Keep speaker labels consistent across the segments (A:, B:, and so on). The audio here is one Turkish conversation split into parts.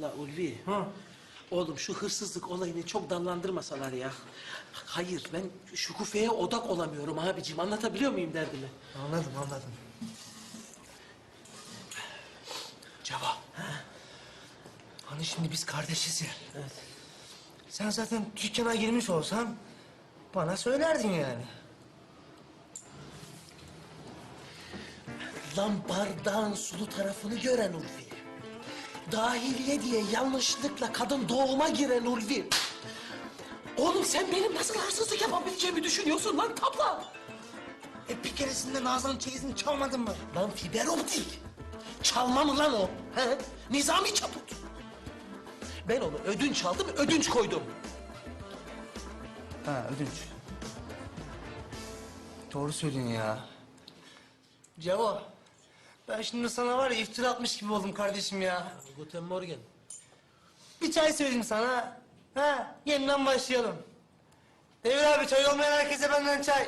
A: La Ulvi.
B: Hı.
A: Oğlum şu hırsızlık olayını çok dallandırmasalar ya. Hayır ben şu kufeye odak olamıyorum abicim. Anlatabiliyor muyum derdimi?
B: Anladım, anladım. Cevap. Hani şimdi biz kardeşiz ya.
A: Evet.
B: Sen zaten dükkana girmiş olsan bana söylerdin yani.
A: Lan bardağın sulu tarafını gören Ulvi. Dahiliye diye yanlışlıkla kadın doğuma giren Ulvi. Oğlum sen benim nasıl hırsızlık yapabileceğimi düşünüyorsun lan tabla?
B: Bir keresinde Nazan'ın çeyizini çalmadın mı?
A: Lan fiber optik. Çalma mı lan o? He? Nizami çaput. Ben onu ödünç aldım, ödünç koydum.
B: Ha, ödünç. Doğru söylüyorsun ya. Cevap. Ben şimdi sana var ya iftira atmış gibi oldum kardeşim ya.
A: Guten Morgen.
B: Bir çay söyleyeyim sana. Ha, yeniden başlayalım. Devir abi çay olmayan herkese benden çay.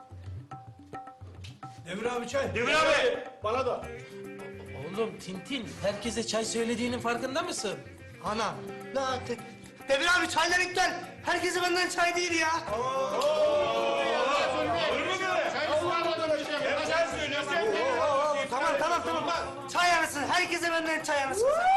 C: Demir abi çay.
D: Demir abi! Bana da.
A: Oğlum Tintin, herkese çay söylediğinin farkında mısın?
B: Ana. Devir abi çaylar iptal. Herkese benden çay değil ya. Tamam. Çay arasın. Herkese benden çay arasın.